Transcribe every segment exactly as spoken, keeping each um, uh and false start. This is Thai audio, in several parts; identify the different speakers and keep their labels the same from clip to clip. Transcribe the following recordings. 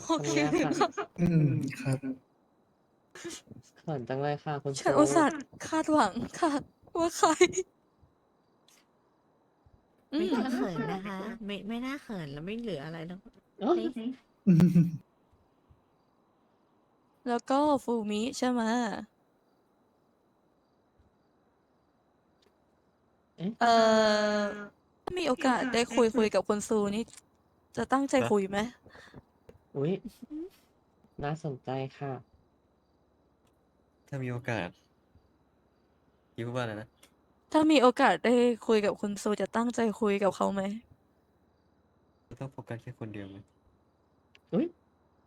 Speaker 1: โอ
Speaker 2: คน
Speaker 1: เค
Speaker 2: เนี้ยค่ะ
Speaker 1: ค่ะ
Speaker 3: อืมครับ
Speaker 2: เขินจังเลยค่ะคุณ
Speaker 1: ฉั
Speaker 2: ซู
Speaker 1: นอุตส่าห์คาดหวังค่ะ ว่าใคร อื
Speaker 4: ไม่
Speaker 1: ม
Speaker 4: น่าเขินนะคะ ไม่ ไม่น่าเขินแล้วไม่เหลืออะไรแล้ว
Speaker 2: เอ้อ
Speaker 4: เฮ้ย
Speaker 3: อืม
Speaker 1: แล้วก็ฟูมิใช่ไหม
Speaker 2: เอ๊ะ
Speaker 1: เอ่อ ถ้ามีโอกาสได้คุย คุยกับคุณซูนี่ จะตั้งใจคุยไหม?
Speaker 2: อุ๊ย น่าสนใจค่ะ
Speaker 5: ถ้ามีโอกาส พี่พูดว่าอะไรนะ?
Speaker 1: ถ้ามีโอกาสได้คุยกับคุณซู จะตั้งใจคุยกับเขาไหม?
Speaker 5: ต้องโฟกัสแค่คนเดียวไหม?
Speaker 2: อุ๊ย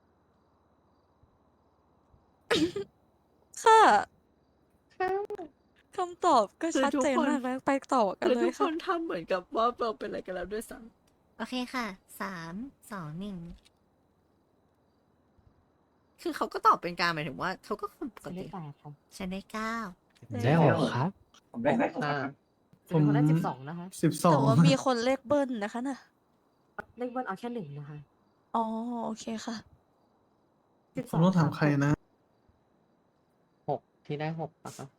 Speaker 1: ค่ะ
Speaker 2: ค่ะ
Speaker 1: คำตอบก็
Speaker 4: คือ
Speaker 1: ชัด
Speaker 4: ทุก
Speaker 1: เจน
Speaker 4: คน
Speaker 1: มากแล้ว ไปต่อกั
Speaker 4: ค
Speaker 1: นื
Speaker 4: อ
Speaker 1: เล
Speaker 4: ทุ
Speaker 1: ย
Speaker 4: ก
Speaker 1: ค
Speaker 4: ค่ นทำเหมือนกับว่าเราเป็นอะไรกันแล้วด้วยซ้ำ โอเคค่ะ สาม สอง หนึ่ง คือเขาก็ตอบเป็นกลาง หมายถึงว่า เขาก็คนป
Speaker 6: ฉั
Speaker 4: ก
Speaker 6: นได้
Speaker 4: ติ
Speaker 6: แปด ครับ
Speaker 4: ฉันได้ เก้า
Speaker 6: ได้ หก ครับ
Speaker 7: ผมได้ หก
Speaker 2: ค่ะ
Speaker 6: จะมีคนได้ สิบสอง นะคะ
Speaker 3: สิบสอ
Speaker 1: แต่
Speaker 3: ง
Speaker 1: ว่ามีคนเลขเบิ้ลนะคะน่ะ
Speaker 6: เลขเบิ้ลเอาแค่ หนึ่ง นะคะ
Speaker 1: อ๋อ โอเคค่ะ
Speaker 6: สิบ
Speaker 3: ผ
Speaker 6: ส
Speaker 3: ม
Speaker 6: อง
Speaker 3: ต้องถาม
Speaker 6: บ
Speaker 3: ใครนะ?
Speaker 2: หก ที่ได้ หก เปล่าคะ?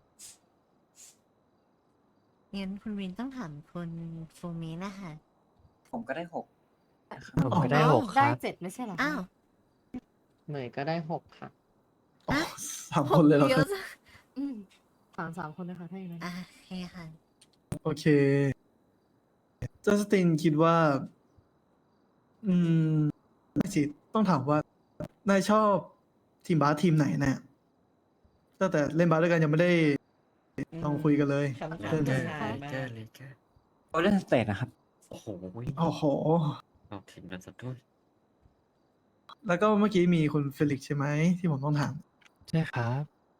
Speaker 4: งั้นคุณวินต้องถามคุณฟูมิน่ะค่ะ
Speaker 7: ผมก็ได้ หก
Speaker 6: ผม
Speaker 3: อ๋อ
Speaker 6: ก็ได้
Speaker 4: อ้าว
Speaker 6: หก ได้ เจ็ด ไม่ใช่เหรอคะ?
Speaker 4: อ้าว
Speaker 2: เหมยก็ได้ หก ค่ะ
Speaker 3: อ๋อ
Speaker 4: ฮะ
Speaker 3: สาม คนเลยเหรอ
Speaker 4: เย
Speaker 3: ครั
Speaker 4: อะ
Speaker 3: บ?
Speaker 4: จัง
Speaker 6: อืม ถาม สาม คนนะคะ ถ้าอย่างงั้น
Speaker 4: อา โอเคค่ะ
Speaker 3: โอเค จัสตินคิดว่า อืม ไม่สิ ต้องถามว่า นายชอบทีมบาสทีมไหนน่ะ? ตั้งแต่เล่นบาสด้วยกันยังไม่ได้ ลองคุยกันเลย
Speaker 4: คำถาม
Speaker 3: เรื่อง
Speaker 4: ที่
Speaker 3: นี้
Speaker 4: ชายมาก
Speaker 5: Lakers Lakers
Speaker 7: โกลเด้นสเตตนะครับ
Speaker 5: โอ้โฮ
Speaker 3: โอ้โฮ
Speaker 5: เอาทีมนั้นเสียด้วย
Speaker 3: แล้วก็เมื่อกี้มีคุณเฟลิกซ์ใช่ไหม? ที่ผมต้องถาม
Speaker 6: ใช่ครับ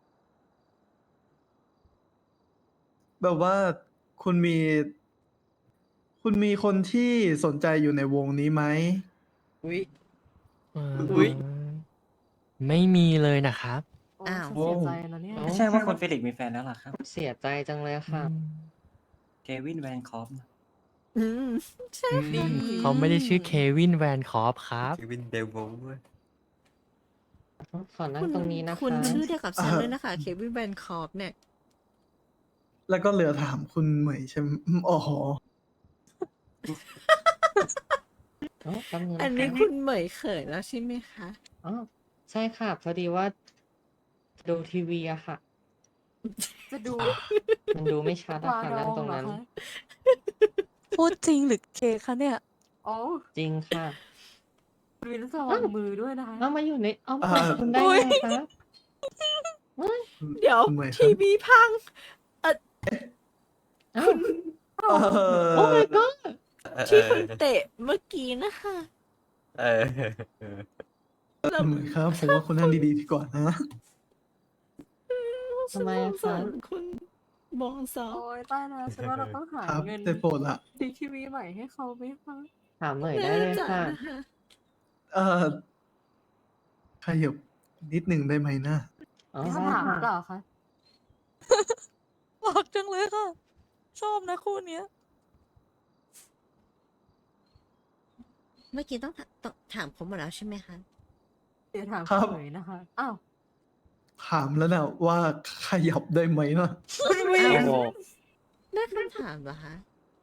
Speaker 3: แบบว่าคุณมี คุณมีคนที่สนใจอยู่ในวงนี้ไหม?
Speaker 4: อุ๊ย
Speaker 6: เอ่อ
Speaker 4: อุ๊ย
Speaker 6: ไม่มีเลยนะครับ
Speaker 4: โอ้ อ้าว
Speaker 6: ฉัน
Speaker 3: โอ้
Speaker 6: เสียใจนะเนี่ย
Speaker 2: อ้า
Speaker 7: ไม่
Speaker 2: ว
Speaker 7: ใช่ว่าคุณเฟลิกซ์มีแฟนแล้วเหรอครับ?
Speaker 2: เสียใจจังเลย
Speaker 6: อื
Speaker 2: ค่ะ
Speaker 6: ม
Speaker 7: Kevin Van Cott
Speaker 4: อืม ใช่
Speaker 6: อื
Speaker 4: ค่ะ
Speaker 6: ม เขาไม่ได้ชื่อ Kevin Van Cott ครับ
Speaker 5: Kevin Devil ด้วย
Speaker 2: ขอนั่
Speaker 4: คุ
Speaker 2: ง
Speaker 4: ณ
Speaker 2: ตรงนี้นะ
Speaker 4: คุณ
Speaker 2: คะ
Speaker 4: ชื่อเดียวกับฉัน
Speaker 3: เอ่อ
Speaker 4: ด้วยนะคะ Kevin Van Cott เนี่ย
Speaker 3: แล้วก็เหลือถามคุณเหมยใช่ อืม อ๋อ
Speaker 2: อ๋อ แป๊บหนึ่ง
Speaker 4: อัน
Speaker 2: นะ
Speaker 4: นี้
Speaker 2: คะ
Speaker 4: คุณเหมยเขินแล้วใช่ไหมคะ?
Speaker 2: อ๋อ ใช่ค่ะ พอดีว่า ดูทีวีอะค่ะ
Speaker 6: จะดู
Speaker 2: มันดูไม่ชัด
Speaker 6: ป
Speaker 2: อะ
Speaker 6: ลา
Speaker 2: ค่ะ
Speaker 6: ด
Speaker 2: นั่
Speaker 6: อง ง
Speaker 2: ตรง
Speaker 6: เหรอ
Speaker 2: นั้น
Speaker 6: คะ?
Speaker 1: พูดจริงหรือเก๊คะเนี่ย?
Speaker 6: อ๋อ
Speaker 2: จริงค่ะ
Speaker 6: คุณวินต้องระว
Speaker 2: อ้า
Speaker 6: ัง
Speaker 2: ว
Speaker 6: มือด้วยนะคะ
Speaker 2: อ้าว มาอยู่ในอ้อม
Speaker 3: อ่า
Speaker 2: อกคุณได้
Speaker 1: อุ๊ย
Speaker 2: ไงคะ? ว้าย
Speaker 3: คุณ
Speaker 4: เดี๋ยว
Speaker 3: คุณเหมยค
Speaker 4: ท ที วีพัง เอ่อ
Speaker 2: อ้า
Speaker 4: คุ
Speaker 2: ว
Speaker 4: ณ
Speaker 3: เอ่อ
Speaker 2: Oh my god
Speaker 5: เออ
Speaker 4: ที่คุณเตะเมื่อกี้นะคะ
Speaker 5: เออ
Speaker 4: แล้
Speaker 3: คุ
Speaker 4: ว
Speaker 3: ณเหมยครับ ผมว่าคุณนั่งดี ๆ ดีกว่านะ
Speaker 2: ทำไมอะ
Speaker 4: ฉันสงสา
Speaker 2: คะ?
Speaker 4: รคุณบองซอ
Speaker 6: โอ๊ย ตายแล้ว ฉันว่าเราต้องหา
Speaker 3: ครับ
Speaker 6: เงิน
Speaker 3: ได้โปรดล่ะ
Speaker 6: ซื้อทีวีใหม่ให้เขาไหมคะ?
Speaker 2: ถามเหมยได้
Speaker 4: น่า
Speaker 2: เลย
Speaker 4: จะ
Speaker 2: ค่ะ
Speaker 4: นะคะ
Speaker 3: เอ่อ ขยับนิดหนึ่งได้ไหมนะ?
Speaker 2: อ๋อ
Speaker 6: มี
Speaker 2: ได้
Speaker 6: คำถาม
Speaker 2: ค่
Speaker 6: หรือเป
Speaker 2: ะ
Speaker 6: ล่าคะ?
Speaker 1: รักจังเลยค่ะ ชอบนะคู่เนี้ย
Speaker 4: เมื่อกี้ต้อง ถ ต ถามครบหมดแล้วใช่ไหมคะ?
Speaker 6: เดี๋ยวถาม
Speaker 3: ครั
Speaker 6: คุ
Speaker 3: บ
Speaker 6: ณเหมยนะคะ อ้าว
Speaker 3: ถามแล้วน่ะว่า ขยับได้ไหมนะ?
Speaker 6: คุณวิ
Speaker 4: อ้าว
Speaker 6: น
Speaker 4: ได้คำถามเหรอคะ?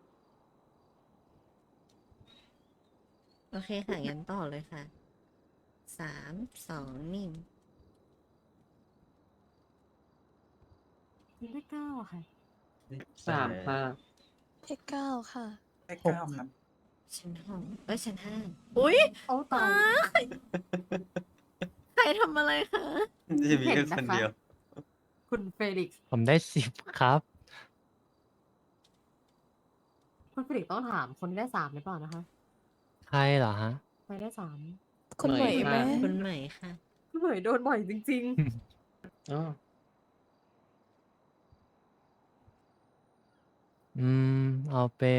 Speaker 4: โอเคค่ะ งั้นต่อเลยค่ะ สาม สอง หนึ่ง
Speaker 6: ฉันได้ เก้า อะค่ะ
Speaker 2: สาม ค่ะ
Speaker 1: เลข เก้า ค่ะ
Speaker 7: ได้
Speaker 3: หก
Speaker 7: เก้า ครับ
Speaker 4: ฉัน หก เอ๊ย ฉัน ห้า อุ๊ย
Speaker 6: โอ้ ตา
Speaker 4: อาย ใครทำอะไรคะ?
Speaker 5: น่าจะมี
Speaker 6: เห็
Speaker 5: แค่
Speaker 6: น
Speaker 5: ค
Speaker 6: นะ
Speaker 5: น
Speaker 6: คะ
Speaker 5: เดียว
Speaker 6: คุณเฟลิกซ์ผมได้ สิบ ครับคุณเฟลิกซ์ต้องถามคนที่ได้ สาม หรือเปล่านะคะ? ใครเหรอครับ? ใครได้ สาม
Speaker 1: คุณเหมย
Speaker 2: เหมย
Speaker 1: ไหม?
Speaker 2: ค่ะ
Speaker 4: คุณเหมยค่ะ
Speaker 6: คุณเหมยโดนบ่อยจริง ๆ
Speaker 2: อ๋อ
Speaker 6: อืม เอาเป็น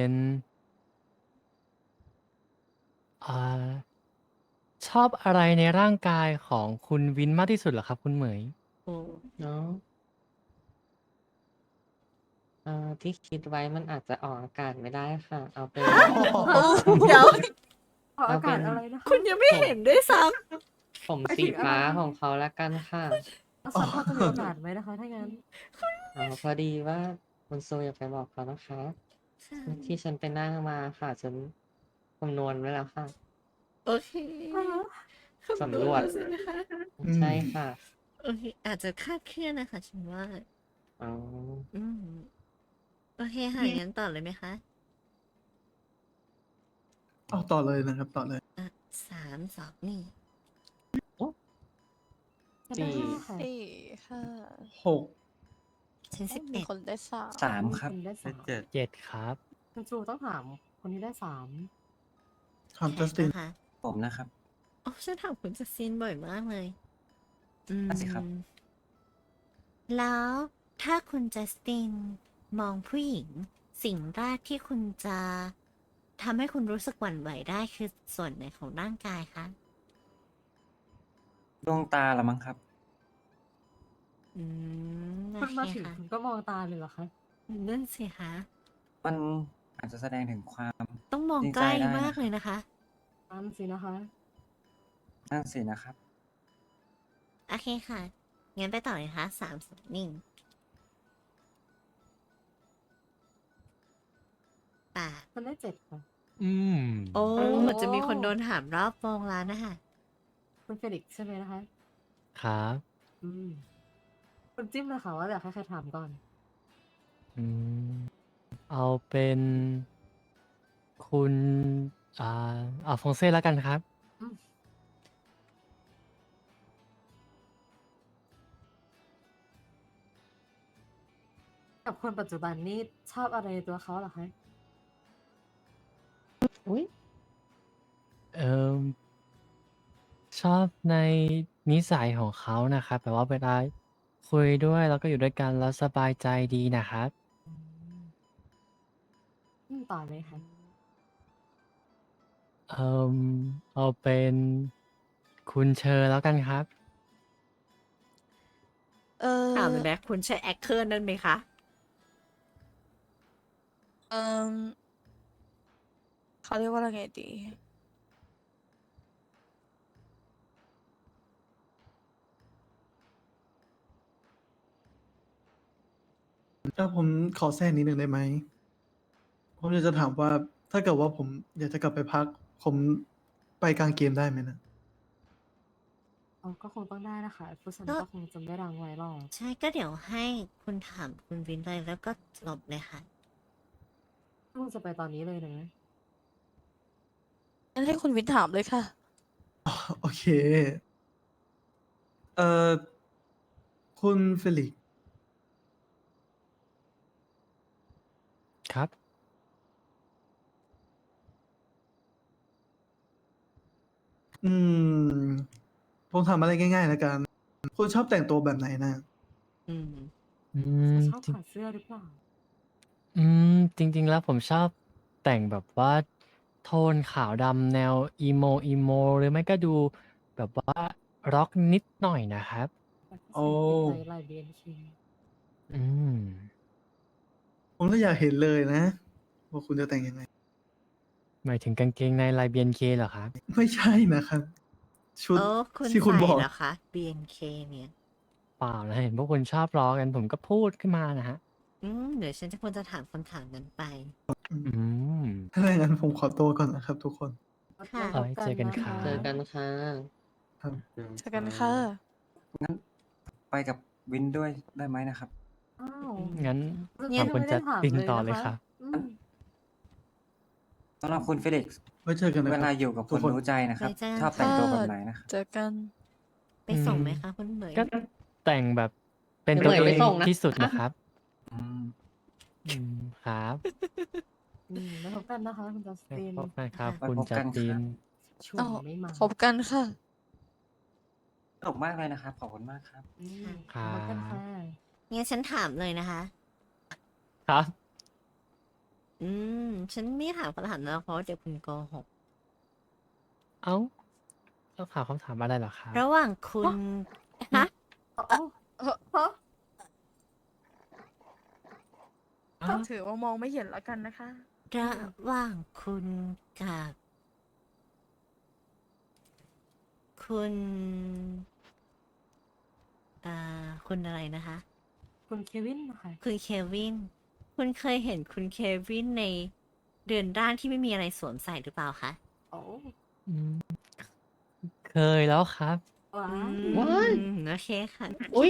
Speaker 6: อ่า ชอบอะไรในร่างกายของคุณวินมากที่สุดเหรอครับคุณเหมย?
Speaker 4: โอ้
Speaker 2: อ๋อ เอ่อ ที่คิดไว้มันอาจจะออกอากาศไม่ได้ค่ะ เอาเป็น
Speaker 4: ฮะ เดี๋ยว
Speaker 2: ออกอากาศอะไรนะคะ
Speaker 4: คุณยังไม่เห็นด้วยซ้
Speaker 2: ผมสีฟ้าของเขาละกันค่ะสักพอจะมีโอกาสไหมนะคะ ถ้างั้นอ๋อพอดีว่าคุณโซอยากไปบอกเขานะคะ
Speaker 4: ำ
Speaker 2: ที่ฉันไปนั่งมาค่ะ ฉันคำนวณไว้แล้วค่ะ
Speaker 4: โอเค
Speaker 2: สำรวจ
Speaker 4: คำนณแล้สินะคะ
Speaker 3: อืม
Speaker 2: ใช่ค่ะ
Speaker 4: โอเค อาจจะคาดเคลื่อนนะคะฉันว่า
Speaker 2: อ๋อ
Speaker 4: อืม โอเคค่ะงั้นต่อเลยไหมคะ
Speaker 3: เอาต่อเลยนะครับต่อเลย
Speaker 4: อ่ะสามสองนี่
Speaker 2: สี่
Speaker 1: สี่ห้า
Speaker 3: หก
Speaker 4: ฉันสิบ
Speaker 1: มี
Speaker 4: เอ็ด
Speaker 1: คนได้สาม
Speaker 7: สามครับ
Speaker 2: ณได้
Speaker 5: เล
Speaker 2: สา
Speaker 5: ข
Speaker 2: ม
Speaker 5: เจ็ด
Speaker 6: เจ็ดครับ
Speaker 2: คุณจูต้องถามคนที่ได้สาม
Speaker 3: ถามจัสติน
Speaker 4: นะคะ
Speaker 7: ผมนะครับ
Speaker 4: โอ้ฉันถามคุณจัสตินบ่อยมากเลย อืม
Speaker 7: นั่นสิครับ
Speaker 4: แล้วถ้าคุณจัสตินมองผู้หญิง สิ่งแรกที่คุณจะทำให้คุณรู้สึกหวั่นไหวได้คือส่วนไหนของร่างกายคะ
Speaker 7: ดวงตาละมั้งครับ
Speaker 4: อืมโอ
Speaker 2: คุณ
Speaker 4: เค
Speaker 2: มาถึง
Speaker 4: ค่ะ
Speaker 2: คุณก็มองตาเลยเหรอคะ
Speaker 4: นั่นสิคะ
Speaker 7: มันอาจจะแสดงถึงความ
Speaker 4: ต้องมอง
Speaker 7: จริง
Speaker 4: ใก
Speaker 7: ใจ
Speaker 4: ล้
Speaker 7: ได้
Speaker 4: มาก
Speaker 7: นะครับ
Speaker 4: เลยนะคะ
Speaker 2: นั่นสินะคะ
Speaker 7: นั่นสินะครับ
Speaker 4: โอเคค่ะ งั้นไปต่อเลยค่ะสามสองหนึ่งแปด
Speaker 2: มันได้เจ็ดค่ะ
Speaker 6: อืม
Speaker 4: โอ้
Speaker 2: โอ้
Speaker 4: เหมือนจะมีคนโดนถามรอบวงแล้วนะคะ
Speaker 2: คุณเฟลิกซ์ใช่ไหมนะคะ
Speaker 6: ครับ
Speaker 2: อืม คุณจิ้มเลยค่ะว่าอยากให้ใครถามก่อน
Speaker 6: อืม เอาเป็นคุณ อ่าอัลฟองเซ่แล้วกันครับ
Speaker 2: กับคนปัจจุบันนี่ชอบอะไรในตัวเขาเหรอคะ อุ้ย
Speaker 6: เอ่อชอบในนิสัยของเขานะครับแบบว่าเวลาคุยด้วยแล้วก็อยู่ด้วยกันแล้วสบายใจดีนะครับ
Speaker 2: อืมอืมต่อเลยค่ะ
Speaker 6: เอ่อเอาเป็นคุณเชอแล้วกันครับ
Speaker 1: เออ
Speaker 4: ถามเลยไหมคุณใช่แอคเคอร์นั่นไหมคะ
Speaker 1: เออเขาเรียกว่าอะไรไงดี
Speaker 3: ถ้าผมขอแทรกนิดนึงได้ไหม ผมอยากจะถามว่าถ้าเกิดว่าผมอยากจะกลับไปพัก ผมไปกลางเกมได้ไหมนะ
Speaker 2: อ๋อ ก็คงต้องได้นะคะผู้ชาย
Speaker 4: ก็
Speaker 2: ก็คงจะไม่รังไว้หรอก
Speaker 4: ใช่ก็เดี๋ยวให้คุณถามคุณวินเลยแล้วก็จบเลยค่ะ
Speaker 2: คงจะไปตอนนี้เลยนะ
Speaker 1: งั้นให้คุณวินถามเลยค่ะ
Speaker 3: โอเค เอ่อ คุณเฟลิกซ์
Speaker 6: ครับ
Speaker 3: อืม ผมถามอะไรง่ายๆแล้วกัน คุณชอบแต่งตัวแบบไหนนะ
Speaker 4: อืม
Speaker 6: อืม
Speaker 2: ชอบ
Speaker 6: จริง
Speaker 2: ถอดเสื้อหรือเปล่า
Speaker 6: อืม จริง ๆ แล้วผมชอบแต่งแบบว่าโทนขาวดำแนวอีโมอีโมหรือไม่ก็ดูแบบว่าร็อกนิดหน่อยนะครับ
Speaker 2: แต่ผู้
Speaker 3: โอ้
Speaker 2: ชายติดใจลาย บี เอ็น เค
Speaker 6: อืม
Speaker 3: ผมก็อยากเห็นเลยนะ ว่าคุณจะแต่งยังไง
Speaker 6: หมายถึงกางเกงในลาย บี เอ็น เค เหรอครับ
Speaker 3: ไม่ใช่นะครับ ชุด
Speaker 4: โอ้คุณ
Speaker 3: ที่คุณ
Speaker 4: ใส่
Speaker 3: บอก
Speaker 4: เหรอคะ บี เอ็น เค เนี่ย
Speaker 6: เปล่านะเห็นพวกคุณชอบล้อกันผมก็พูดขึ้นมานะฮะ
Speaker 4: อืม เดี๋ยวฉันจะควรจะถามคำถามนั้นไป
Speaker 6: อืม
Speaker 3: ถ้าอย่างนั้นผมขอตัวก่อนนะครับทุกคน
Speaker 4: ค่ะ
Speaker 6: เอาไว้เจอกันครับ
Speaker 2: เจอกันค่ะ
Speaker 3: ครับ
Speaker 1: เจอกันค่ะ
Speaker 7: งั้นไปกับวินด้วยได้ไหมนะครับ
Speaker 2: อ้าว
Speaker 6: งั้น
Speaker 2: เมื่อ
Speaker 6: ถา
Speaker 2: กี้
Speaker 6: มคุณ
Speaker 2: ไม่
Speaker 6: จั
Speaker 2: ได้
Speaker 6: ส
Speaker 2: ถาม
Speaker 6: ติน
Speaker 2: เลย
Speaker 6: ต่อ
Speaker 2: นะ
Speaker 6: เลย
Speaker 2: คะ
Speaker 6: ครับ
Speaker 2: อืม
Speaker 7: สำหรับคุณเฟลิกซ์
Speaker 3: ไว้เจอกันนะ
Speaker 7: เว
Speaker 3: ค
Speaker 7: ลา
Speaker 3: รับ
Speaker 7: อยู่กับ
Speaker 3: ทุ
Speaker 7: ค
Speaker 3: ก
Speaker 7: น
Speaker 3: คน
Speaker 7: รู้ใจนะครับ
Speaker 4: ไว้เจอกัน
Speaker 7: ชอบแต่งตัว
Speaker 1: ค่ะ
Speaker 7: แบบไหนนะครับ
Speaker 1: เจอกัน
Speaker 4: ไปส่ง
Speaker 6: อืม
Speaker 4: ไหมคะคุณเหมย
Speaker 6: ก็แต่งแบบเป็น
Speaker 2: เดี๋
Speaker 6: ตั
Speaker 2: ยว ว
Speaker 6: เอ
Speaker 2: เหมย
Speaker 6: ง
Speaker 2: ไปส่งนะ
Speaker 6: ที่สุดนะครับ
Speaker 7: อืม
Speaker 6: อืม ครับ
Speaker 2: อืมแล้วพบกันนะคะคุณจัส
Speaker 6: ไว้
Speaker 2: ติน
Speaker 6: พบกันครับ
Speaker 7: ไว้
Speaker 6: คุณ
Speaker 7: พบ
Speaker 6: จั
Speaker 7: กั
Speaker 6: ส
Speaker 7: น
Speaker 6: ติน
Speaker 7: ครับ
Speaker 2: ชว
Speaker 1: อ้าน ว
Speaker 2: ไม่มา
Speaker 1: พบกันค่ะ
Speaker 7: สนุกมากเลยนะครับ ขอบคุณมากครับ
Speaker 2: อืม
Speaker 6: ครับ
Speaker 2: พบกันค่ะ
Speaker 4: งั้นฉันถามเลยนะคะ
Speaker 6: ครับ
Speaker 4: อืม ฉันไม่ถามคำถามแล้วเพราะว่าเดี๋ยวคุณโกหก
Speaker 6: เอ้าต้องถามคำถามอะไรเหรอครับ
Speaker 4: ระหว่างคุณฮะ
Speaker 2: อ๋อฮะ
Speaker 6: อ้าว
Speaker 1: ถือว่ามองไม่เห็นแล้วกันนะคะ
Speaker 4: ระหว่างคุณกับคุณอ่าคุณอะไรนะคะ
Speaker 8: คุณเควินนะคะ
Speaker 4: คุณเควิน คุณเคยเห็นคุณเควินในเรือนร่างที่ไม่มีอะไรสวมใส่หรือเปล่าคะ
Speaker 8: โอ้
Speaker 6: อืมเคยแล้วครับ
Speaker 8: ว้า
Speaker 4: อื
Speaker 8: ว
Speaker 4: มโอเคค่ะ
Speaker 2: อุ้ย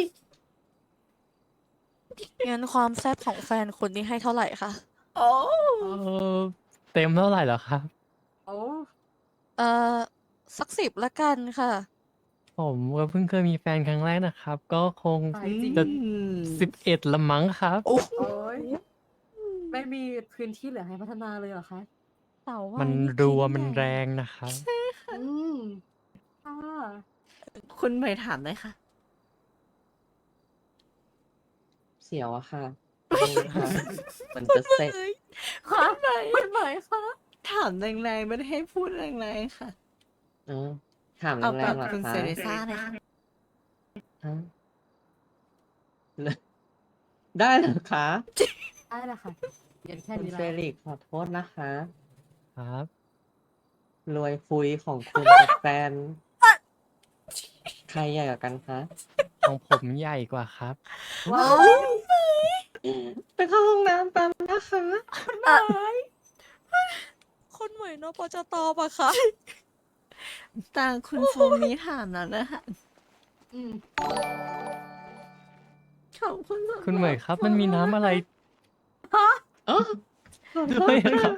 Speaker 1: งั้นความแซ่บของแฟนคุณนี่ให้เท่าไหร่คะ
Speaker 4: โอ้
Speaker 6: เออเต็มเท่าไหร่เหรอครับ
Speaker 8: โอ้
Speaker 1: เอ่อ สักสิบละกันค่ะ
Speaker 6: ผมก็เพิ่งเคยมีแฟนครั้งแรกนะครับ ก็คง
Speaker 8: ตายจริง
Speaker 6: จะสิบเอ็ดละมั้งครับ
Speaker 1: โอ้
Speaker 8: โอ้ยไม่มีพื้นที่เหลือให้พัฒนาเลยเหรอคะ
Speaker 1: เต่าว่า
Speaker 6: มัน
Speaker 1: นี่
Speaker 6: รัว
Speaker 1: ชิ้
Speaker 6: มัน
Speaker 1: ใหญ่
Speaker 6: แรงนะครับ
Speaker 8: อืมค่ะ
Speaker 4: คุณเหมยถามได้ค่ะ
Speaker 2: เสียวอะค่ะดูค่ะมันจะเสร็จ
Speaker 8: ค่ะคุณเหมยค่ะ
Speaker 4: ถามแรงๆไม่ได้ให้พูดแรงๆค่ะ
Speaker 2: เออ ถาม
Speaker 4: เอา
Speaker 2: แร
Speaker 4: กับ
Speaker 2: งๆเหรอ
Speaker 4: คุณ
Speaker 2: คะ
Speaker 4: เซเรซ่าเลยค่ะ
Speaker 2: ฮะได้เหรอคะ
Speaker 8: ได้แล้วค่ะเรียนแค่
Speaker 2: คุณ
Speaker 8: นี้
Speaker 2: เฟ
Speaker 8: แล้ว
Speaker 2: ลิกซ์ขอโทษนะคะ
Speaker 6: ครับ
Speaker 2: รวยฟุยของคุณกับแฟน ใครใหญ่กว่ากันคะ
Speaker 6: ของผมใหญ่กว่าครับ
Speaker 8: ว้าว
Speaker 2: ไปเข้าห้องน้ำแป๊บนะคะ
Speaker 1: คุณเหมยนปจตปะคะ
Speaker 4: ตางคุณฟูมิถามแล้วนะคะ
Speaker 8: อืม
Speaker 4: ขอบคุณสำหรับ
Speaker 6: คุณเหมยครับ มันมีน้ำอะไร
Speaker 2: อ๋อ
Speaker 6: ด้วยนะครับ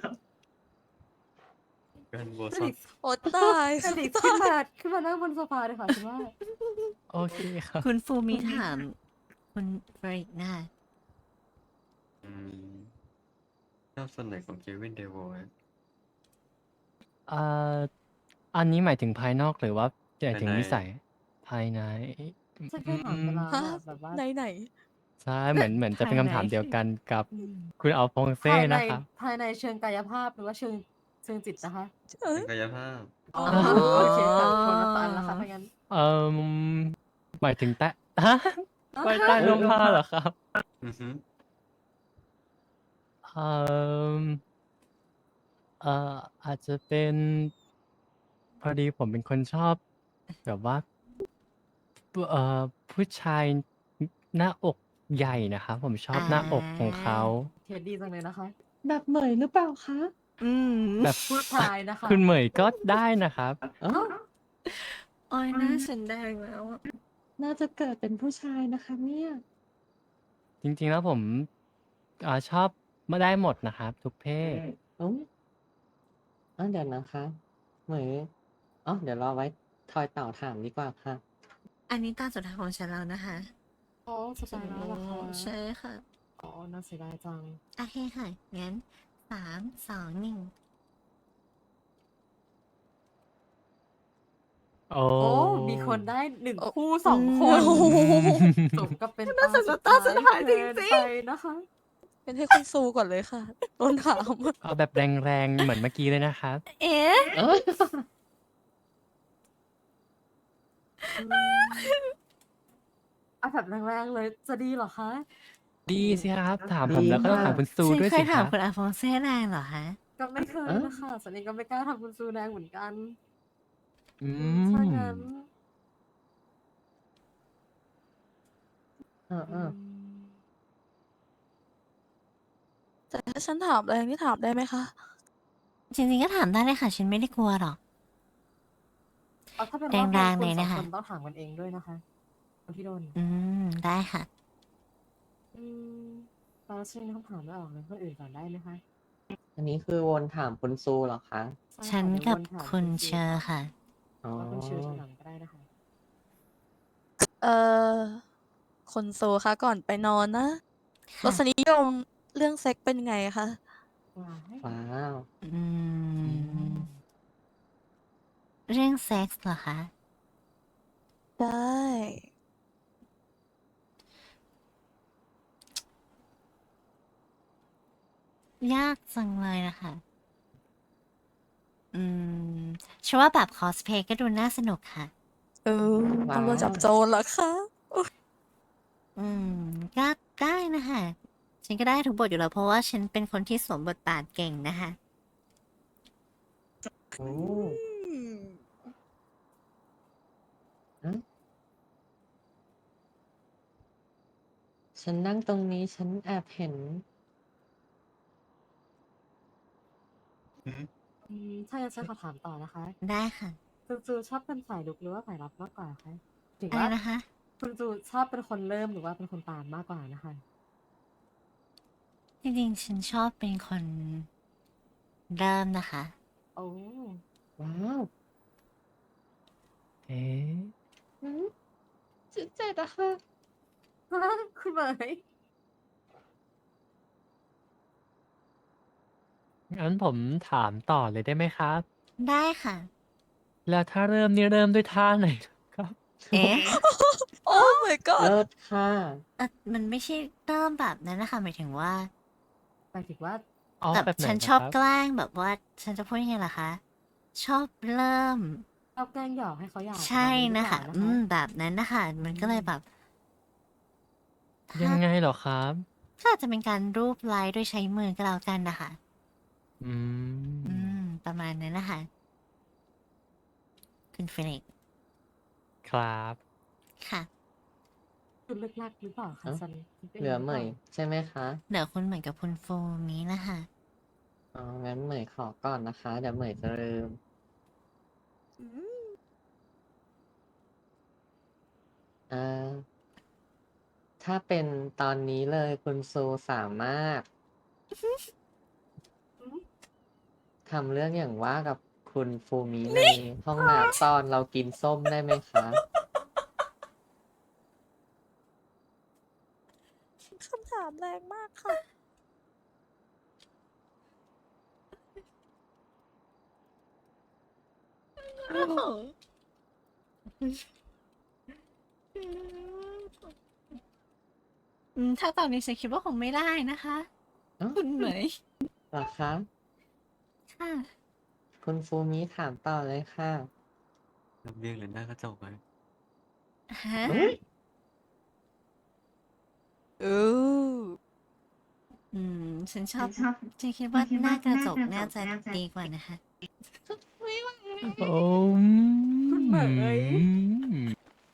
Speaker 5: กันโบ
Speaker 8: เฟ
Speaker 5: ซอ
Speaker 8: ลิ
Speaker 5: น
Speaker 8: กซ์
Speaker 1: โอ้ตาย
Speaker 8: เฟลิกซ์ขึ้นมาขึ้นมานั่งบนโซฟาเลยค่ะฉันว่า
Speaker 6: โอเคครับ
Speaker 4: คุณฟูมิถาม คุณเฟริกนะคะ
Speaker 5: อืมชอบส่วนไหนของเควินเดโวะ
Speaker 6: อ่า อันนี้หมายถึงภายนอกหรือว่าหมายถึง
Speaker 5: ภายใน
Speaker 6: นิสัย ภายใน
Speaker 8: ฉันเคยถามไปแล้ว
Speaker 1: ฮะ
Speaker 8: อะแบบว่า
Speaker 1: ไหนไหน
Speaker 6: ใช่ เหมือน เหมือนจะเป็นคำถามเดียวกันกับคุณอัลฟองเซ่
Speaker 8: ภายใน
Speaker 6: นะครับ
Speaker 8: ภายในเชิงกายภาพหรือว่าเชิงเชิงจิตนะคะ
Speaker 1: เอ้ย
Speaker 5: เป็นกายภาพ
Speaker 8: อ๋อโอเคค่ะคนละฟังแล้วค่ะถ้างั้น
Speaker 6: เอ่อหมายถึงใต้ฮะไปใต้ร่มผ้าเหรอครับ
Speaker 5: อือฮึ
Speaker 6: เอ่อเอ่ออาจจะเป็น พอดีผมเป็นคนชอบ แบบว่าเอ่อผู้ชายหน้าอกใหญ่นะครับ ผมชอบหน้าอกของเขา
Speaker 8: เทดดีจังเลยนะคะ
Speaker 2: แบบเหมยหรือเปล่าคะ
Speaker 4: อืม
Speaker 6: แบบ
Speaker 8: ผู้ชายนะคะ
Speaker 6: คุณเหมยก็ได้นะครับ
Speaker 2: อ๋อ
Speaker 4: โอ้ยหน้าฉันแดงแล้วอะ
Speaker 2: น่าจะเกิดเป็นผู้ชายนะคะเนี่ย
Speaker 6: จริงๆแล้วผมอ่าชอบมาได้หมดนะครับ ทุกเพศ
Speaker 2: โอ้ยอ๋อเดี๋ยวนะคะ เหมยอ๋อเดี๋ยวรอไว้ทอยเต่าถามดีกว่าค่ะ
Speaker 4: อันนี้ตาสุดท้ายของฉันแล้วนะคะ
Speaker 8: อ๋อสบายแล้วเหรอคะ
Speaker 4: ใช่ค่ะ
Speaker 8: อ๋อน่าเสียดายจัง
Speaker 4: โอเคค่ะ งั้นสามสองหนึ่ง
Speaker 6: โอ้
Speaker 8: โอ้ มีคนได้หนึ่ง
Speaker 1: โอ้
Speaker 8: คู่สองค
Speaker 1: โอ้
Speaker 8: น
Speaker 1: โห
Speaker 8: สมกับเป็น
Speaker 4: น่าสนใจตาสุดท้ายจริงๆ
Speaker 8: เกินไปนะคะ
Speaker 1: เป็นให้คุณซูก่อนเลยค่ะโดนถาม
Speaker 6: เอาแบบแรงๆ เหมือนเมื่อกี้เลยนะครับ
Speaker 4: เอ๊ะ
Speaker 2: เอ้ย
Speaker 8: เอาแบบแรงๆเลยจะดีเหรอคะ
Speaker 6: ดีสิครับ ถามผมแล้วก็ต้องถามคุณซู
Speaker 4: ฉัน
Speaker 6: ด้วย
Speaker 4: เค
Speaker 6: สิ
Speaker 4: ย
Speaker 6: ค
Speaker 4: ถา
Speaker 6: รั
Speaker 4: ม
Speaker 6: บ
Speaker 4: คุณอาฟองเซ่แรงเหรอคะ
Speaker 8: ก็ไม่เคยนะคะสันนี้ก็ไม่กล้าทำคุณซูแดงเหมือนกัน
Speaker 6: อื
Speaker 8: ถ้าม งั้น
Speaker 2: เออเออ
Speaker 1: แต่ถ้าฉันถามแรงนี่ถามได้ไหมคะ
Speaker 4: จริงๆก็ถามได้เลยค่ะ ฉันไม่ได้กลัวหรอก
Speaker 8: เอาถ้าเป็น
Speaker 4: แร
Speaker 8: รอบนี้
Speaker 4: งๆ
Speaker 8: คุ
Speaker 4: เล
Speaker 8: ณ
Speaker 4: ย
Speaker 8: สอ
Speaker 4: นะ
Speaker 8: ง
Speaker 4: คะ
Speaker 8: คนต้องถามกันเองด้วยนะคะคนที่โดน
Speaker 4: อืม ได้ค่ะ
Speaker 8: อืมตอนนี้ฉันคำถามไม่ออกเลยคนอื่นก่อนได้ไหมคะ
Speaker 2: อันนี้คือวนถามคุณซูเหรอคะ
Speaker 8: ใช่
Speaker 4: ฉัน
Speaker 8: ค่ะ
Speaker 4: กับ
Speaker 8: เดี๋ยววนถาม
Speaker 4: คุณ
Speaker 8: ซู
Speaker 4: เชอร์ค่ะ
Speaker 2: อ๋อ
Speaker 8: แล้วคุณเชอร์ทีหลังก็ได้นะคะ
Speaker 1: เอ่อคนโซคะก่อนไปนอนนะร
Speaker 4: ค่ะ
Speaker 1: สนิยมเรื่องเซ็กเป็นไงคะ
Speaker 8: ว้าย
Speaker 2: ว้าว
Speaker 4: อืม เรื่องเซ็กส์เหรอคะ
Speaker 1: ได้
Speaker 4: ยากจังเลยนะคะ อืมฉันว่าแบบคอสเพย์ก็ดูน่าสนุกค่ะ
Speaker 1: เออ
Speaker 2: ว้าว
Speaker 1: ตำรวจจับโจรเหรอคะ
Speaker 4: อืม ก็ได้นะคะ ฉันก็ได้ทุกบทอยู่แล้ว เพราะว่าฉันเป็นคนที่สวมบทบาทเก่งนะคะ
Speaker 2: โอ้ฉันนั่งตรงนี้ฉันแอบเห็น
Speaker 8: อืมถ้าอย่างนั้นฉันขอถามต่อนะคะ
Speaker 4: ได้ค่ะ
Speaker 8: คุณจูชอบเป็นฝ่ายลุกหรือว่าฝ่ายรับมากกว่าคะถือ
Speaker 4: อะไร
Speaker 8: ว่า
Speaker 4: นะคะ
Speaker 8: คุณจูชอบเป็นคนเริ่มหรือว่าเป็นคนตามมากกว่านะคะ
Speaker 4: จริงๆ ฉันชอบเป็นคนเริ่มนะคะ
Speaker 8: โอ้
Speaker 2: ว้าว
Speaker 6: เอ๊ะ
Speaker 2: อืมจุดเจ็ดอะค่ะ
Speaker 8: คุณเหมย
Speaker 6: งั้นผมถามต่อเลยได้ไหมครับ
Speaker 4: ได้ค่ะ
Speaker 6: แล้วถ้าเริ่มนี่เริ่มด้วยท่าไหนครับ
Speaker 4: เอ๊ะ
Speaker 1: โอ้ my god
Speaker 2: เลิศค่ะ
Speaker 4: เอ่อมันไม่ใช่เริ่มแบบนั้นนะคะหมายถึงว่า
Speaker 8: หมายถึงว่า
Speaker 6: อ๋อ
Speaker 4: แบบ
Speaker 6: แบบไหน
Speaker 4: ฉัน
Speaker 6: นะ
Speaker 4: ชอบ
Speaker 6: ครับ
Speaker 4: แกล้งแบบว่า ฉันจะพูดยังไงล่ะคะ ชอบเริ่ม
Speaker 8: ชอบแกล้งหยอกให้เขาอยาก
Speaker 4: ใช่
Speaker 8: แบบนี้หรือ
Speaker 4: นะ
Speaker 8: เปล่า
Speaker 4: คะ
Speaker 8: นะ
Speaker 4: อื
Speaker 8: คะ
Speaker 4: ม แบบนั้นนะคะ มันก็เลยแบบ
Speaker 6: ยั
Speaker 4: ถ้าง
Speaker 6: ไงเหรอครับ
Speaker 4: ก็อาจจะเป็นการรูปไล้ด้วยใช้มือก็แล้วกันนะคะ
Speaker 6: อื
Speaker 4: อื
Speaker 6: ม
Speaker 4: ม ประมาณนั้นนะคะ คุณฟินิกซ์
Speaker 6: ครับ
Speaker 4: ค่ะ
Speaker 8: คุณเลิกลักหรือเปล่าคะ
Speaker 2: เอ้า
Speaker 8: ฉันคิดไป
Speaker 2: เหลือ
Speaker 8: ง
Speaker 2: เหม
Speaker 8: รื
Speaker 2: ย
Speaker 8: ปล่า
Speaker 2: ใช่ไหมคะ
Speaker 4: เดี๋ยวคุณเหมือนกับคุณโฟมีนะคะ
Speaker 2: อ๋อ งั้นเหมยขอก่อนนะคะ เดี๋ยวเหมยจะลืม
Speaker 1: อืม
Speaker 2: เอ่อ ถ้าเป็นตอนนี้เลยคุณซูสามารถ
Speaker 8: อือฮึ
Speaker 2: ทำเรื่องอย่างว่ากับคุณฟูมิในห้องน้ำตอนเรากินส้มได้ไหมคะ?
Speaker 1: คำถามแรงมากค่ะ
Speaker 4: โอ้โฮ อืม ถ้าตอนนี้ฉันคิดว่าคงไม่ได้นะคะ
Speaker 2: อ้าว
Speaker 4: คุณเหมย
Speaker 2: เหรอคะ?
Speaker 4: ค่ะ
Speaker 2: คุณฟูมิถามต่อเลยค่ะ
Speaker 5: ลำเลียงหรือหน้ากระจกไหม?
Speaker 4: ฮะ?
Speaker 2: อุ๊ย!
Speaker 1: โอ้
Speaker 4: อืม ฉันชอบ
Speaker 9: ฉันชอบ
Speaker 4: ฉันคิด
Speaker 9: ฉั
Speaker 4: ว่าน
Speaker 9: คิด
Speaker 4: หน้า
Speaker 9: ว่าก
Speaker 4: ระ
Speaker 9: หน้า
Speaker 4: จก
Speaker 9: กระ
Speaker 4: น่า
Speaker 9: จก
Speaker 4: จะ
Speaker 9: น่าจะ
Speaker 4: ดีกว่านะคะ
Speaker 6: โอ้
Speaker 8: คุณเหมย
Speaker 6: อืม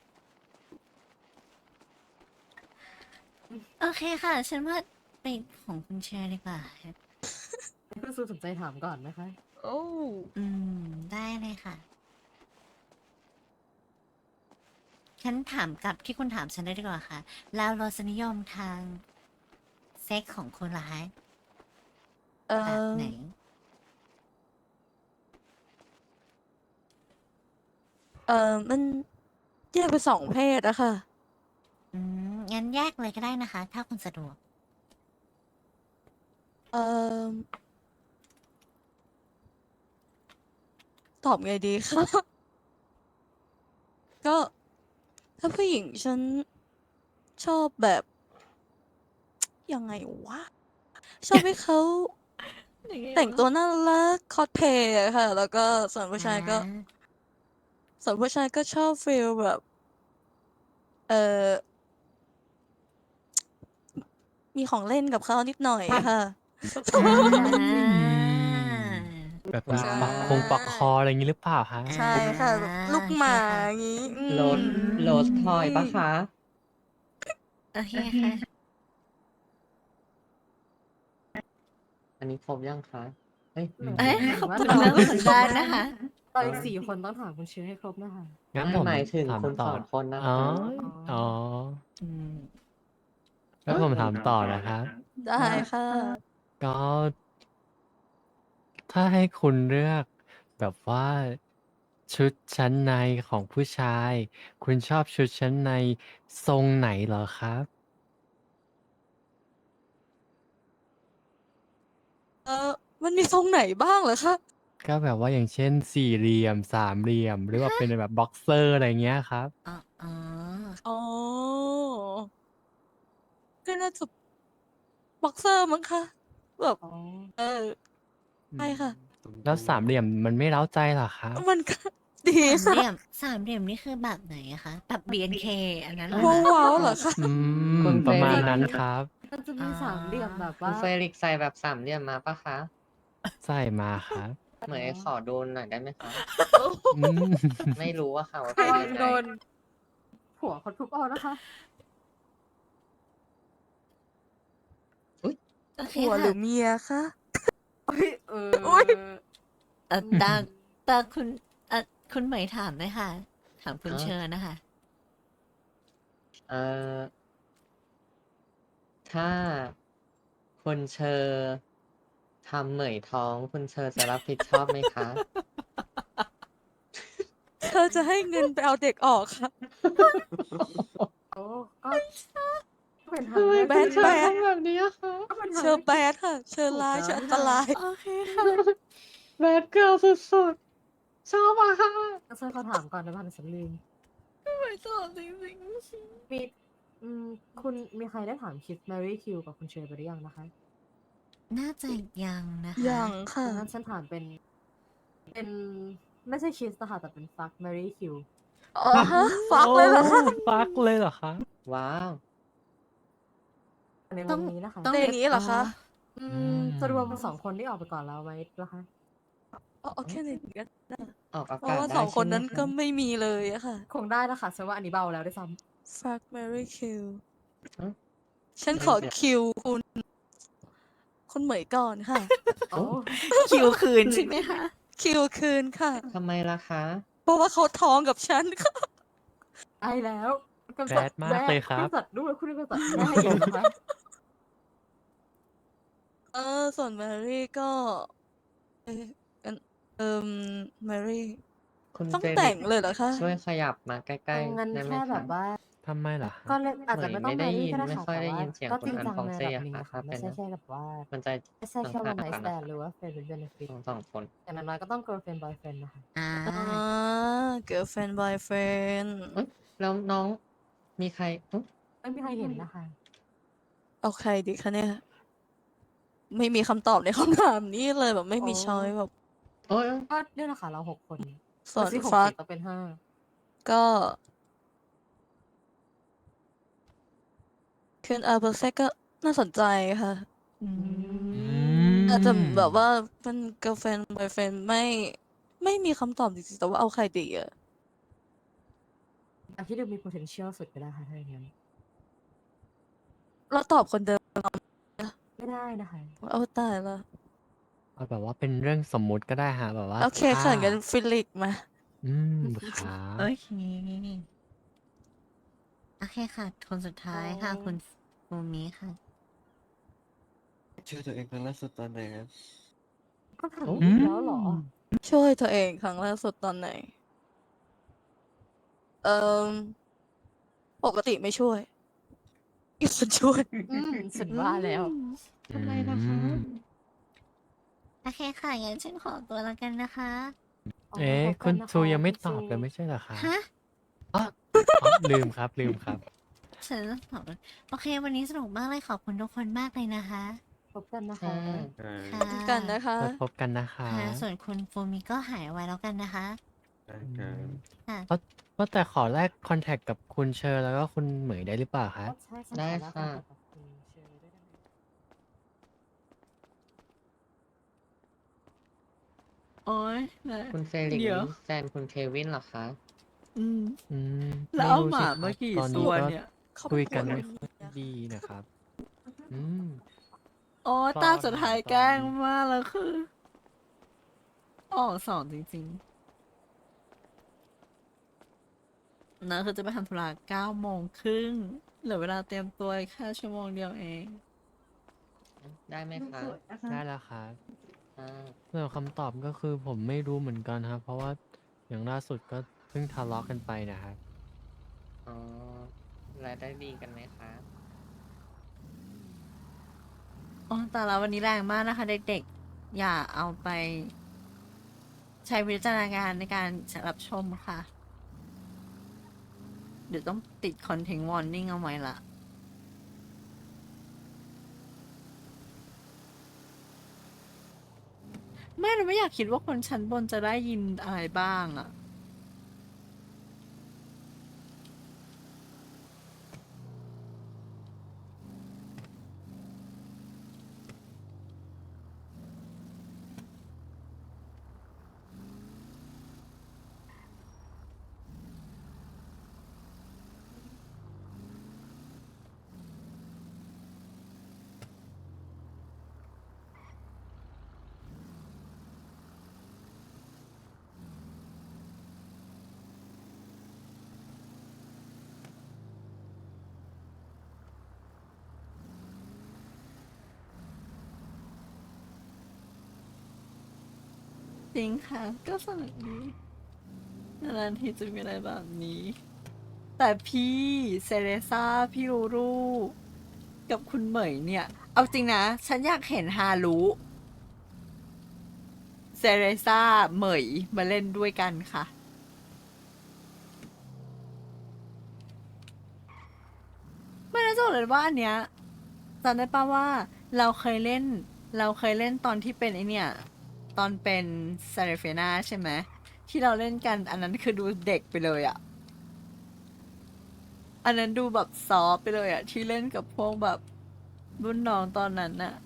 Speaker 4: โอเคค่ะ ฉันว่าไปของคุณเชอร์ดีกว่าค่ะ
Speaker 8: คุณซูสนใจถามก่อนไหมคะ?
Speaker 1: โอ้
Speaker 4: อืม ได้เลยค่ะ ฉันถามกลับที่คุณถามฉันเลยดีกว่าค่ะ แล้วรสนิยมทางเซ็กส์ของคุณล่ะคะ?
Speaker 1: เอ่อ
Speaker 4: แบบไหน?
Speaker 1: เอ่อ มันแยกเป็น สอง เพศอะค่ะ
Speaker 4: อืม งั้นแยกเลยก็ได้นะคะ ถ้าคุณสะดวก
Speaker 1: เอ่อ ตอบไงดี คะ? ก็ ถ้าผู้หญิงฉันชอบแบบ ยังไงวะ ชอบให้เขา
Speaker 4: ยังไง
Speaker 1: แต่ง
Speaker 4: วะ?
Speaker 1: ตัวน่ารัก คอสเพลย์อะค่ะ แล้วก็ส่วนผู้ชายก็
Speaker 4: อา
Speaker 1: ส่วนผู้ชายก็ชอบฟีลแบบ เอ่อ มีของเล่นกับเขานิดหน่อยอะค่ะ
Speaker 4: อา
Speaker 6: แบบ
Speaker 2: ว้
Speaker 6: มี
Speaker 1: ใช่
Speaker 6: ปลอกคงปลอกคอ อะไรงี้หรือเปล่าครับ?
Speaker 1: ใช่ค่ะ แบบลูก
Speaker 4: โอเค
Speaker 1: หมา
Speaker 4: ค่ะ
Speaker 1: อย่างงี้ อื
Speaker 2: โรส
Speaker 1: ม
Speaker 2: โรสทอยเปล่าคะ?
Speaker 4: โอเค
Speaker 9: โอเค
Speaker 4: ค่ะ
Speaker 9: ค่ะ
Speaker 2: อันนี้ครบยังคะ เฮ้ย
Speaker 8: หนู
Speaker 4: เอ๊ะ
Speaker 8: หมายถึงว่า
Speaker 4: คุณ
Speaker 8: ตอน
Speaker 4: เริ่ม
Speaker 8: นี้
Speaker 4: ฝึกได้นะคะ
Speaker 8: ตอนอีก สี่ คนต้องถามคุณเชอร์ให้ครบนะคะ
Speaker 6: งั้น
Speaker 2: ไม่
Speaker 6: ผม
Speaker 2: หมายถึง
Speaker 6: ถาม
Speaker 2: คุณ
Speaker 6: ต่
Speaker 2: ส
Speaker 6: อ
Speaker 2: อง คนนะ
Speaker 6: อ๋อ
Speaker 2: คะ
Speaker 6: อ๋อ
Speaker 4: อืม
Speaker 6: งั้นผมถามต่อนะครับ
Speaker 1: ได้ค่ะ
Speaker 6: ก็ ถ้าให้คุณเลือกแบบว่า ชุดชั้นในของผู้ชาย คุณชอบชุดชั้นในทรงไหนเหรอครับ?
Speaker 1: เอ่อ มันมีทรงไหนบ้างเหรอคะ?
Speaker 6: ก็แบบว่า อย่างเช่น สี่เหลี่ยม สามเหลี่ยม หรือว่า
Speaker 4: ฮะ?
Speaker 6: เป็นแบบบ็อกเซอร์ อะไรเงี้ยครับ
Speaker 4: อ อ๋อ
Speaker 1: อ๋อ ก็น่าจะ บ็อกเซอร์มั้งคะ แบบ
Speaker 8: อ๋อ
Speaker 1: เออ
Speaker 6: อื
Speaker 1: ใช่ค่ะ
Speaker 6: แล้วสามเหลี่ยมมันไม่เร้าใจเหรอครับ?
Speaker 1: มัน ก็ ดี
Speaker 4: สาม
Speaker 1: ค่ะ
Speaker 4: เหลี่ยม สามเหลี่ยมนี่คือแบบไหนอะคะ? แบบ บี เอ็น เค อันนั้นเหรอ
Speaker 1: โว้
Speaker 4: คะ?
Speaker 1: ว้าวเหรอคะ?
Speaker 6: อื
Speaker 2: คุ
Speaker 6: ม
Speaker 2: ณ
Speaker 6: ป ระมาณ
Speaker 2: Felix
Speaker 6: นั้นครับ
Speaker 8: มันจะ
Speaker 4: อ๋
Speaker 8: มี สาม เหลี่ยมแบบ
Speaker 2: คุ
Speaker 8: ว่า
Speaker 2: ณ Felix ใส่แบบสามเหลี่ยมมาเปล่าคะ?
Speaker 6: ใส่มาครับ
Speaker 2: เหมยขอดูหน่อยได้ไหมคะ?
Speaker 6: อืม
Speaker 2: ไม่รู้อะค่ะว่า
Speaker 8: ระ
Speaker 2: เป็น
Speaker 8: วัง
Speaker 2: ยังไง
Speaker 8: โดน ผัวเขาทุบเอานะคะ
Speaker 4: โอเค
Speaker 1: ผัวห
Speaker 4: ค่ะ
Speaker 1: รือเมียคะ
Speaker 8: เอ้ยเออ
Speaker 1: อุ๊ย
Speaker 4: เอ่อตาตาคุณเอ่อคุณเหมยถามเลยค่ะ ถามคุณ
Speaker 2: อ๋อ
Speaker 4: เชิญนะคะ
Speaker 2: เอ่อ ถ้าคุณเชอทำเหมยท้อง คุณเชอจะรับผิดชอบไหมคะ?
Speaker 1: เธอจะให้เงินไปเอาเด็กออกค่ะ
Speaker 8: โอ้ก็ก็เป็น
Speaker 2: ทำ
Speaker 8: ทาง
Speaker 2: ไม
Speaker 8: เลือก
Speaker 2: คุณ
Speaker 8: ที่
Speaker 2: เชอ
Speaker 1: แบด
Speaker 2: ทำแบบนี้อะคะ
Speaker 8: ก็เป็น
Speaker 1: เช
Speaker 8: ทาง
Speaker 1: อ
Speaker 8: เลือกที่
Speaker 1: bad ค่ะ เชอ
Speaker 8: ถูก
Speaker 1: ร้าย
Speaker 8: แล้
Speaker 1: เชอ
Speaker 8: ว
Speaker 1: อันต
Speaker 8: ค่ะ
Speaker 1: ราย
Speaker 4: โอเคค่ะ
Speaker 2: bad girl สุด ๆ ชอบอะค่ะ
Speaker 8: งั้นฉันขอถามก่อนได้เปล่าเดี๋ยวฉันลืม
Speaker 4: เหมยตอบจริง
Speaker 8: มี อืม คุณมีใครได้ถามคิส Marry Kill กับคุณเชอไปหรือยังนะคะ
Speaker 4: ๆ น่าจะยังนะคะ
Speaker 1: ยังค่ะ
Speaker 8: งั้นฉันถามเป็น เป็น ไม่ใช่คิสอะค่ะ แต่เป็น Fuck Marry Kill
Speaker 1: อ๋อ ฮะ fuck เลยเหรอคะ
Speaker 6: โอ้ fuck เลยเหรอคะ
Speaker 2: ว้าว
Speaker 8: ใน
Speaker 4: ต้
Speaker 8: ว
Speaker 4: อง
Speaker 8: งนี้นะคะ
Speaker 4: ต้อง
Speaker 1: ในนี้เหรอคะ
Speaker 8: อื
Speaker 6: อื
Speaker 8: ม จะรวม
Speaker 6: ม
Speaker 8: สอง คนที่ออกไปก่อนแล้วไหมล่ะคะ?
Speaker 1: เอา เอาแค่ในนี้ก็ได้
Speaker 2: ออกอา
Speaker 1: เพราะ
Speaker 2: กาศ
Speaker 1: ว่า
Speaker 2: ได้
Speaker 1: สอง
Speaker 2: ใช
Speaker 1: ค่น
Speaker 2: ไหม
Speaker 1: นั้น
Speaker 2: ค
Speaker 1: ก็
Speaker 2: ะ?
Speaker 1: ไม่มีเลยอะค่ะ
Speaker 8: คงได้แล้วค่ะ ฉันว่าอันนี้เบาแล้วด้วยซ้ำ
Speaker 1: fuck marry kill
Speaker 2: หือ
Speaker 1: ฉัน
Speaker 2: ไม่
Speaker 1: ขอ
Speaker 2: เดี๋ยว
Speaker 1: คิว คุณ คุณเหมยก่อนค่ะ
Speaker 8: โอ้
Speaker 4: คิวคืนใช่ไหมคะ?
Speaker 1: คิวคืนค่ะ
Speaker 2: ทำไมล่ะคะ?
Speaker 1: เพราะว่าเขาท้องกับฉัน ค่ะ
Speaker 8: ใช่แล้ว กำจัด
Speaker 6: bad มา
Speaker 8: แม่
Speaker 6: กเลยค
Speaker 8: คุณ
Speaker 6: รับ
Speaker 8: กำจัดด้วย คุณกำจัดแม่อยู่นะคะ
Speaker 1: เออ ส่วน Marry ก็ เอ๊ะ งั้น เอ่อ Marry
Speaker 2: คุณ
Speaker 1: ต้อง
Speaker 2: เฟ
Speaker 1: แต่
Speaker 2: ลิ
Speaker 1: ง
Speaker 2: กซ์
Speaker 1: เลยเหรอคะ
Speaker 2: ช่วยขยับมาใก
Speaker 8: เอ
Speaker 2: ล้
Speaker 8: อ งั้น
Speaker 2: ๆ ได้ไห
Speaker 8: แค
Speaker 2: ม่
Speaker 8: แบ
Speaker 2: คะ?
Speaker 8: บว่า
Speaker 6: ทำไมเหรอครั
Speaker 8: ก็
Speaker 6: บ?
Speaker 8: เล่น อาจ
Speaker 2: เหม
Speaker 8: จะ
Speaker 2: ย
Speaker 8: ไม่
Speaker 2: ไม
Speaker 8: ต้อ่ง
Speaker 2: ได้
Speaker 8: Marry
Speaker 2: ยิ
Speaker 8: ก็
Speaker 2: น
Speaker 8: ได้
Speaker 2: ไม่
Speaker 8: ค่ะ
Speaker 2: ค่อย
Speaker 8: แต่
Speaker 2: ได้
Speaker 8: ว่า
Speaker 2: ยินเสียง
Speaker 8: ก็
Speaker 2: คุ
Speaker 8: จ
Speaker 2: ณ
Speaker 8: ริง
Speaker 2: อัน
Speaker 8: จัง
Speaker 2: ฟอง
Speaker 8: ใน
Speaker 2: เซ
Speaker 8: ระดับ
Speaker 2: อะ
Speaker 8: หนึ่ง
Speaker 2: ค่ะ
Speaker 8: อะ
Speaker 2: ถ
Speaker 8: ค่
Speaker 2: ้า
Speaker 8: ะ ไม
Speaker 2: เป่็น
Speaker 8: ใช่แค่แบบว่า
Speaker 2: มันจะ
Speaker 8: ไม่ใช่แค่
Speaker 2: ต้อง
Speaker 8: one
Speaker 2: หา
Speaker 8: night
Speaker 2: กันน่ะ
Speaker 8: stand
Speaker 2: ค่ะ
Speaker 8: หรือว่า friend with benefit
Speaker 2: ทั้ง สอง คน
Speaker 8: อย่างน้อย ๆ ก็ต้อง girlfriend boyfriend น่ะค่ะ
Speaker 4: อา
Speaker 1: อ๋อ girlfriend boyfriend
Speaker 2: เอ๊ย แล้วน้องมีใคร หือ
Speaker 8: ไม่มีใครเห็นน่ะค่ะ
Speaker 1: เอาใครดีคะเนี่ย? ไม่มีคำตอบใน คำถาม นี้เลย แบบไม่
Speaker 8: อ๋อ
Speaker 1: มี ชอยซ์ แบบ
Speaker 2: โอ๊ย
Speaker 8: ก็เนี่ยแหละค่ะ เรา หก คน
Speaker 1: ส่วน
Speaker 8: ไม่ใช่ หก สิ
Speaker 1: fuck
Speaker 8: ต้องเป็น ห้า
Speaker 1: ก็ คุณ อา เพอร์เฟกต์ ก็น่าสนใจค่ะ
Speaker 4: อื
Speaker 6: อื
Speaker 4: ม
Speaker 1: อาจจะแบบว่า
Speaker 6: ม
Speaker 1: เป็น girlfriend boyfriend ไม่ ไม่มีคำตอบจริง ๆ แต่ว่าเอาใครดีอะ?
Speaker 8: เอาที่ดูมี potential สุดก็ได้ค่ะ ถ้าอย่างงั้น
Speaker 1: เราตอบคน เดิม
Speaker 8: ไม่ได้นะคะ
Speaker 1: โอ้ ตายแล้ว
Speaker 6: เอาแบบว่าเป็นเรื่องสมมุติก็ได้ครับ แบบว่า
Speaker 1: โอเค
Speaker 6: ถ้า
Speaker 1: ค่ะ งั้น ฟิลิกซ์ มา
Speaker 6: อืม ครั
Speaker 4: โอบ เค โอเคค่ะ คนสุดท้ายค่ะ คุณ ฟ ฟูมิค่ะ
Speaker 5: ช่วยตัวเองครั้งล่าสุดตอนไหนครับ?
Speaker 8: ก็ถาม
Speaker 6: อื
Speaker 8: อีกแล้วเหรอ?
Speaker 6: ม
Speaker 1: ช่วยตัวเองครั้งล่าสุดตอนไหน? เอ่อ ปกติไม่ช่วย มีคนช่วย
Speaker 8: อืม ฉัน
Speaker 1: อื
Speaker 8: ว่าแล้ว
Speaker 1: ม
Speaker 2: ทำไมล่ะคะ?
Speaker 6: อืม
Speaker 4: โอเคค่ะ งั้นฉันขอตัวแล้วกันนะคะ
Speaker 8: อ๋อ
Speaker 6: เอ๊ะ
Speaker 8: พบ
Speaker 6: ค
Speaker 8: กุ
Speaker 6: ุ
Speaker 8: น
Speaker 6: ณ
Speaker 8: นะ
Speaker 6: ท
Speaker 8: คะ
Speaker 6: ยังไม่
Speaker 8: คุณ
Speaker 6: ตอบ
Speaker 8: ซู
Speaker 6: เลยไม่ใช่เหรอครับ?
Speaker 4: ฮะ?
Speaker 6: อ้อ อ๋อ ลืมครับ ลืมครับ
Speaker 4: ฉันต้องตอบด้วย โอเค วันนี้สนุกมากเลย ขอบคุณทุกคนมากเลยนะคะ
Speaker 8: พบกันนะ
Speaker 2: ค
Speaker 8: คะ
Speaker 5: อา
Speaker 4: ค่ะ
Speaker 1: เช่นกันนะคะ
Speaker 6: ไว้พบกันนะครั
Speaker 4: ค่ะ
Speaker 6: บ
Speaker 4: ส่วนคุณฟูมิก็หายไวแล้วกันนะคะ
Speaker 5: ได้
Speaker 6: อื
Speaker 5: ครั
Speaker 6: ม
Speaker 5: บ
Speaker 4: ค่ะ
Speaker 6: ว่า ว่าแต่ขอแลกคอนแท็กกับคุณเชอ แล้วก็คุณเหมยได้หรือเปล่าครั
Speaker 8: ก็
Speaker 6: บ?
Speaker 8: ใช่ ฉัน
Speaker 2: ได้
Speaker 8: ขอแลก
Speaker 2: ค่ะ
Speaker 8: คอนแทคกับคุณเชอด้วยได้ไหม?
Speaker 4: โอ๊ย นะ
Speaker 2: คุณเฟลิก
Speaker 4: เดี๋
Speaker 2: นี
Speaker 4: ย
Speaker 2: ่
Speaker 4: ว
Speaker 2: แฟนคุณเควินเหรอคะ?
Speaker 4: อืม
Speaker 6: อืม
Speaker 4: แล้
Speaker 6: ไม
Speaker 4: ว่เอาหม
Speaker 6: รู้สิ
Speaker 4: า
Speaker 6: ค
Speaker 4: ม
Speaker 6: รั
Speaker 4: า
Speaker 6: บ
Speaker 4: กี่
Speaker 6: ตอน
Speaker 4: ต
Speaker 6: นี้
Speaker 4: ัว
Speaker 6: ก็
Speaker 4: เนี่ย
Speaker 1: เขาเ
Speaker 6: ค
Speaker 1: ป็
Speaker 6: ุ
Speaker 1: น
Speaker 6: ย
Speaker 1: ผั
Speaker 6: กั
Speaker 1: วน ห
Speaker 6: ไม
Speaker 1: รื
Speaker 6: ่
Speaker 1: อ
Speaker 6: ค่
Speaker 1: เมี
Speaker 6: อย
Speaker 1: ย
Speaker 6: ดี
Speaker 1: คะ?
Speaker 6: นะครับ อืม
Speaker 4: อ๋อ
Speaker 6: ซ่
Speaker 4: ตา
Speaker 6: อน
Speaker 4: สุด
Speaker 6: ค
Speaker 4: ท้าย
Speaker 6: ซ่
Speaker 4: แกล
Speaker 6: อน้
Speaker 4: ง
Speaker 6: ดี
Speaker 4: มาก แล้วคือ ออก สอง จริง ๆ นะคือจะไปทำธุระ เก้าโมงครึ่ง เหลือเวลาเตรียมตัวอีกแค่ชั่วโมงเดียวเอง
Speaker 2: อือ ได้ไหมคะ?
Speaker 6: ได้แล้วครับ
Speaker 2: อา
Speaker 6: ส่วนคำตอบก็คือผมไม่รู้เหมือนกันครับ เพราะว่าอย่างล่าสุดก็เพิ่งทะเลาะกันไปน่ะครับ
Speaker 2: อ๋อ แล้วได้ดีกันไหมคะ?
Speaker 4: อ๋อ ตายแล้ว วันนี้แรงมากนะคะ เด็ก ๆ อย่าเอาไป ใช้วิจารณญาณในการ ช รับชมค่ะ เดี๋ยวต้องติด content warning เอาไว้แล้ว ไม่ เราไม่อยากคิดว่าคนชั้นบนจะได้ยินอะไรบ้างอะ
Speaker 1: จริงค่ะ ก็สนุกดีนานๆทีจะมีอะไรแบบนี้ แต่พี่เซเลซ่าพี่รูรูกับคุณเหมยเนี่ย เอาจริงนะ ฉันอยากเห็นฮารุเซเลซ่าเหมยมาเล่นด้วยกันค่ะ ไม่น่าจะบอกเลยว่าอันเนี้ยจำได้ป่าว่าเราเคยเล่น เราเคยเล่นตอนที่เป็นไอเนี่ย ตอนเป็นซาเรเฟนาใช่ไหมที่เราเล่นกันอันนั้นคือดูเด็กไปเลยอะอันนั้นดูแบบซอฟต์ไปเลยอะที่เล่นกับพวกแบบรุ่นน้องตอนนั้นน่ะ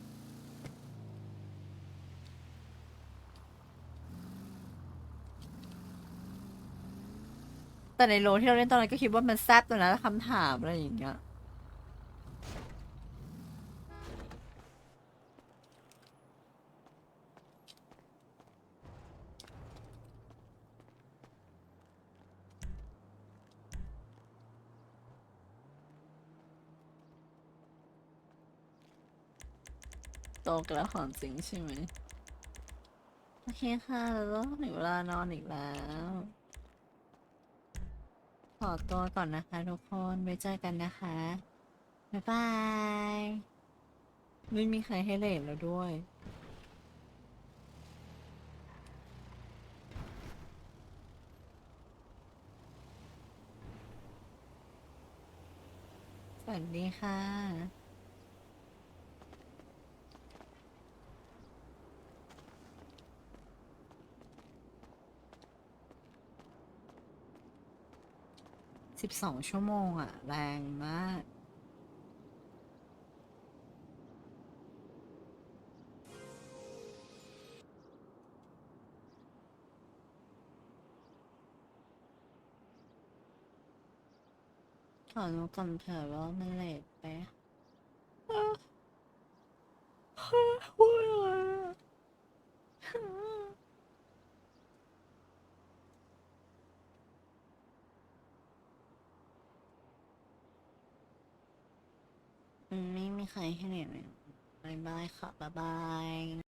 Speaker 1: แต่ในโลที่เราเล่นตอนนั้นก็คิดว่ามันแซ่บตัวนะคำถามอะไรอย่างเงี้ย โตกันแล้วของจริงใช่ไหม โอเคค่ะ แล้วถึงเวลานอนอีกแล้ว ขอตัวก่อนนะคะทุกคนไว้เจอกันนะคะ บ๊ายบาย ไม่มีใครให้เลทแล้วด้วย สวัสดีค่ะ สิบสองชั่วโมงอะแรงมาก ขอรู้ก่อนเถอะว่ามันเลทไปพูดอะไรอะอืมไม่มีใครให้เลทเลยบ๊ายบายค่ะ บ๊ายบาย